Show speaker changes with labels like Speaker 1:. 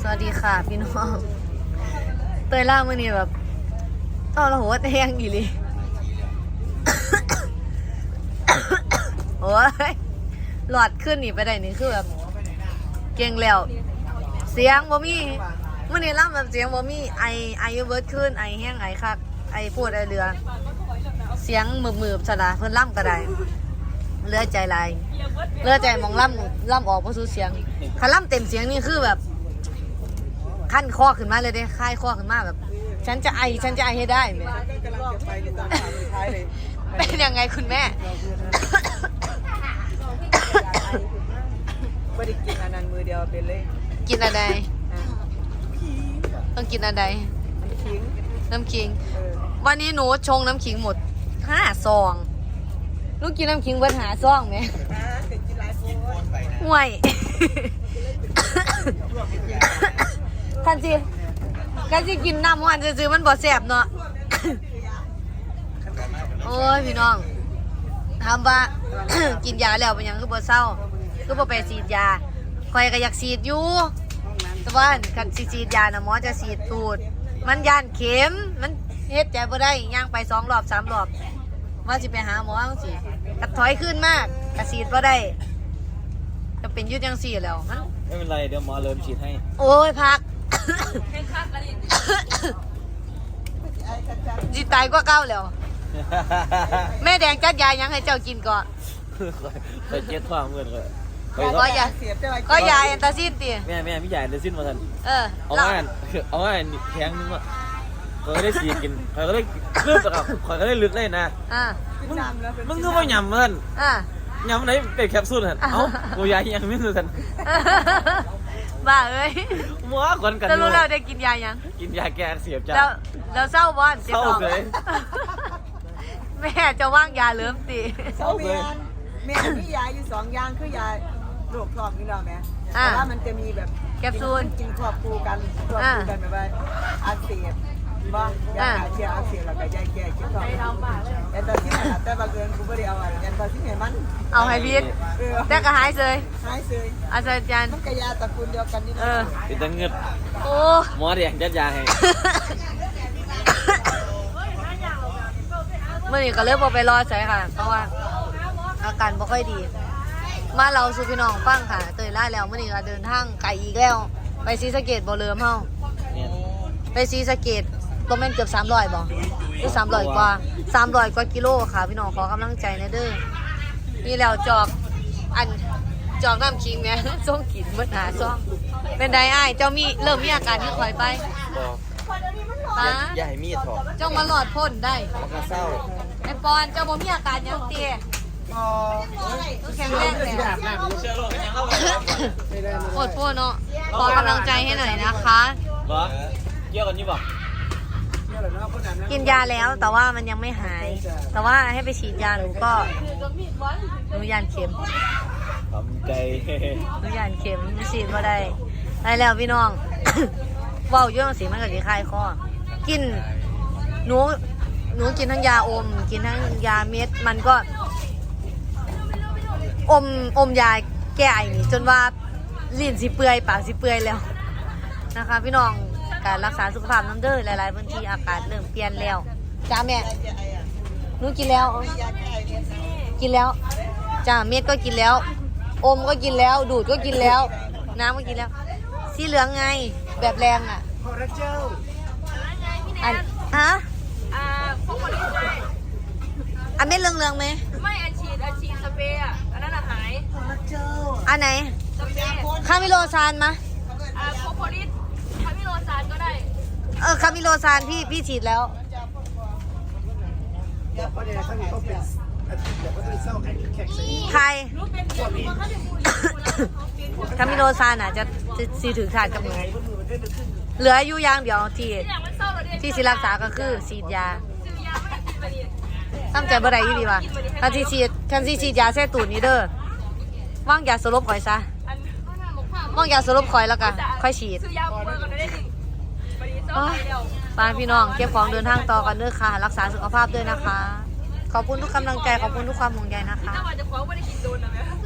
Speaker 1: วัสดีค่ะพี่น้องเตยล่ามื่อนี้แบบเอาละหัวแทงอีหลี โอ้ยหลอดขึ้นนี่ไปได้นี่คือแบบเก่งแล้วเสียงบ่มีมื่อนี้ล่ำแบบเสียงบ่มีไอเวิร์ดขึ้นไอแห้งไอคักไอพูดไอเรือเสียงมืบๆสนะเพิ่นล่ำก็ได้เลือใจลายเลือใจมองล่ำออกเพราะสูเสียงถ้าล่ำเต็มเสียงนี่คือแบบขั้นคอขึ้นมาเลยเด้ค่ายคอขึ้นมาแบบฉันจะไอให้ได้แม่เป็นยังไงคุณแม่
Speaker 2: ไม่ได้กินอันนั้นมือเดียวเป็นเลย
Speaker 1: กินอะไรต้องกินอะไรน้ำขิงวันนี้หนูชงน้ำขิงหมด5 ซองลูกกินน้ำขิงเบิด5 ซองไหมห่วยกันสิกินน้ำวันซื้อมันบ่แสบเนาะโอ้ยพี่น้องถามว่า กินยาแล้วเป็นยังคือบ่เศร้าคือบ่ไปฉีดยาคอยก็อยากฉีดอยู่แต่ว่าคันฉีดยานะหมอจะฉีดตูดมันย่านเข็มมันเฮ็ดใจบ่ได้ย่างไป2 รอบ 3 รอบว่าสิไปหาหมอจังซี่กระถอยขึ้นมากกระฉีดบ่ได้จะเป็นยืดจังซี่แล้วมัน
Speaker 3: ไม่เป็นไรเดี๋ยวหมอเริ่มฉีดให้
Speaker 1: โอ้ยพักจีตายก็เก้าแล้วแม่แดงจัดยายังให้เจ้ากินก่อน
Speaker 3: ไปเจ็ดความเงินเลย
Speaker 1: ก็ยาแอนตาซินตี
Speaker 3: แม่ไม่ใหญ่เลยสิ้นมาทันเอาง่ายแข็งนึงอ่ะเขาก็ได้ฉีดกินเขาก็ได้ลึกกับเขาก็ได้ลึกได้นะมึงก็ไม่หยำมันยำไหนเป็นแคปซูลเหรอเอ้ากูยายังไม่รู้ทัน
Speaker 1: บ้าเอ้ย
Speaker 3: มัวก่อนกัน
Speaker 1: จะรู้เราได้กินยายัง
Speaker 3: กินยาแก้อักเสบจ้า
Speaker 1: เราเศร้าบอน
Speaker 3: เศร้าเลย
Speaker 1: แม่จะว่างยาเริ่มตี
Speaker 2: เศร้าเลยแม่มียาอยู่2 อย่างคือยาโรคท้องนี่เราแม่แต่ว่ามันจะมีแบบ
Speaker 1: แคปซูล
Speaker 2: กินควบคู่กันแบบว่าอักเสบบ้างยาเชียอักเสบแล้วก็ยาแก้กินท้องแต่ตอนที่แต่บางเกินกูไม่ได้เอาอะไรตอนที่ไหนมัน
Speaker 1: เอาให้พีดแต่ก็หายเลยอาจารย์
Speaker 2: มันก็ยาตระกูลเดียวกันนี่
Speaker 3: เป็นตังเงิน
Speaker 1: โอ้
Speaker 3: หมอเดียงจัดยาให้
Speaker 1: เมื่อนี้ก็เริ่มไปรอใส่ค่ะเพราะว่าอาการไม่ค่อยดีมาเราสู่พี่น้องฟังค่ะเตยล่าแล้วเมื่อนี้ก็เดินทางไกลอีกแล้วไปศรีสะเกษบ่เริ่มเฮาไปศรีสะเกษตัวแม่นเกือบ300บ่หรือ300 กว่า300 กว่ากิโลค่ะพี่น้องขอกำลังใจนะเด้อนี่แล้วจอกน้ำคิงแม่ส่งกินเมื่อหาซ่องเป็นไดอ้ายเจ้าเริ่มมีอาการที่คอยไป
Speaker 3: อย่าให้มีดถอด
Speaker 1: เจ้ามาหลอดพ่นได้
Speaker 3: มันก็เศร้า
Speaker 1: ไอ้ปอนเจ้าบ่มีอาการยังเตี้ยแข็งแรงเลยโคตรพ่อเนาะขอกำลังใจให้หน่อยนะคะ
Speaker 3: เกี่ยวกันนี่บอก
Speaker 1: กินยาแล้วแต่ว่ามันยังไม่หายแต่ว่าให้ไปฉีดยาหนูยานเข็ม
Speaker 3: ทำใจ
Speaker 1: หนูยานเข็มฉีดมาได้แล้วพี่น้องว่าวเยอะสิมันก็จะคลายคอกินหนูกินทั้งยาอมกินทั้งยาเม็ดมันก็อมยาแก้ไอนี่จนว่าลิ้นสิเปื่อยปากสิเปื่อยแล้วนะคะพี่น้องการรักษาสุขภาพน้ำเด้อหลายๆพื้นที่อากาศเริ่มเปลี่ยนแล้วจ้าแม่หนูกินแล้วจ้าเม็ดก็กินแล้วอมก็กินแล้วดูดก็กินแล้วน้ำก็กินแล้วสีเหลืองไงแบบแรงอ่ะอันเม็ดเหลืองๆไหม
Speaker 4: ไม่อันฉีดสเปรย์อันนั้นหาย
Speaker 1: อันไหนคามิโลซานมะ
Speaker 4: โคโพลิสคามิโลซานก็ได้
Speaker 1: คามิโลซานพี่ฉีดแล้วใครคามิโลซานจะซีถือขาดกับหนูเหลืออยู่อย่างเดียวที่สิรักษาก็คือฉีดยาตั้งใจบ่ได้ยี่ดีว่ะคันซีฉีดยาแท้ตูดนี้เด้อว่างยาสลบข่อยซะว่างยาสลบข่อยแล้วกันค่อยฉีดป้าพี่น้องเก็บของเดินทางต่อกันเด้อค่ะรักษาสุขภาพด้วยนะคะขอบคุณทุกกำลังใจขอบคุณทุกความห่วงใยนะคะ